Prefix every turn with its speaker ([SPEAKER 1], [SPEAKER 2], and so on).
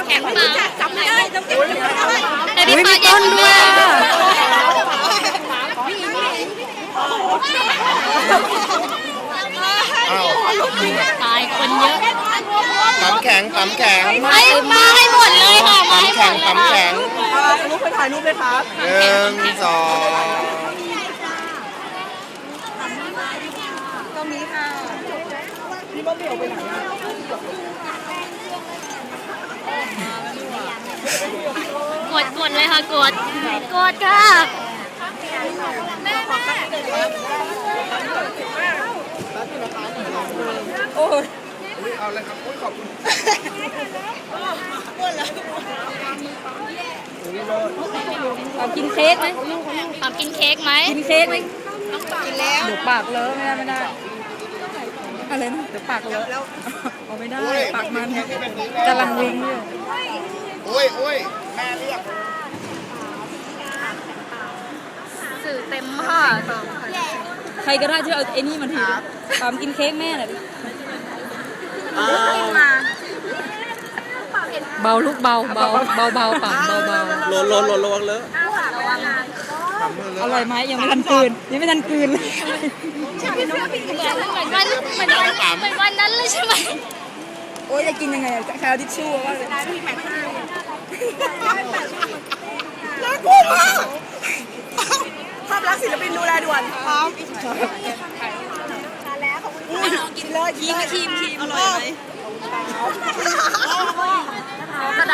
[SPEAKER 1] แข็งมาจับไม่ได้แต่พี่
[SPEAKER 2] อุ้ย
[SPEAKER 1] ปา
[SPEAKER 2] มีต้นด้วยอะ
[SPEAKER 3] อ้าว
[SPEAKER 1] ตายคนเยอะ
[SPEAKER 3] ปั๊มแข็งปั๊มแข็ง
[SPEAKER 1] ให้มาให้หมดเลยค่ะมา
[SPEAKER 3] ปั๊ม
[SPEAKER 1] ให้หม
[SPEAKER 3] แข็ง
[SPEAKER 1] ดเลย
[SPEAKER 3] ปั๊ม
[SPEAKER 1] ค่ะ
[SPEAKER 3] แข็ง
[SPEAKER 2] ลูกไปถ่ายรูปเลยครับ
[SPEAKER 3] 1 2
[SPEAKER 2] ตรงนี้ค่ะพี่บ้าเบี่ยวไปไหนอะ
[SPEAKER 1] กดเลยค่ะกดค่ะ
[SPEAKER 2] โอ้ย
[SPEAKER 3] เอาเลยครับขอบคุณ
[SPEAKER 2] เอากินเค้กไหม
[SPEAKER 1] ทำกินเค้กไหม
[SPEAKER 2] กินเค้กไหมกินแล้วเดี๋ยวปากเลอะไม่ได้อะไรนะเดี๋ยวปากเลอะเอาไม่ได้ปากมันกำลังวิ่งอยู่
[SPEAKER 3] โอ้ยแม่เรียก
[SPEAKER 1] สื่อเต็มค่ะ
[SPEAKER 2] ใครก็ได้ที่เอาไอ้นี่มาทีปามกินเค้กแม่หน่อยดิเบาลูกเบาเบาเบาเบาปากเบาเบา
[SPEAKER 3] หล่นระวังเลอะ
[SPEAKER 2] อร่อยไหมยังไม่ทันกลืนยังไม่ทันกลืนเลย
[SPEAKER 1] เหมือนวันนั้นเลยใช่ไหม
[SPEAKER 2] โอ้ยจะกินยังไงอะแคลทิชชู่ว่าเลย
[SPEAKER 3] น่ากลัวมาก
[SPEAKER 2] ภาพลักษณ์ศิลปินดูแลด่วนพร้อมกินเลยครีมอร่อยไหม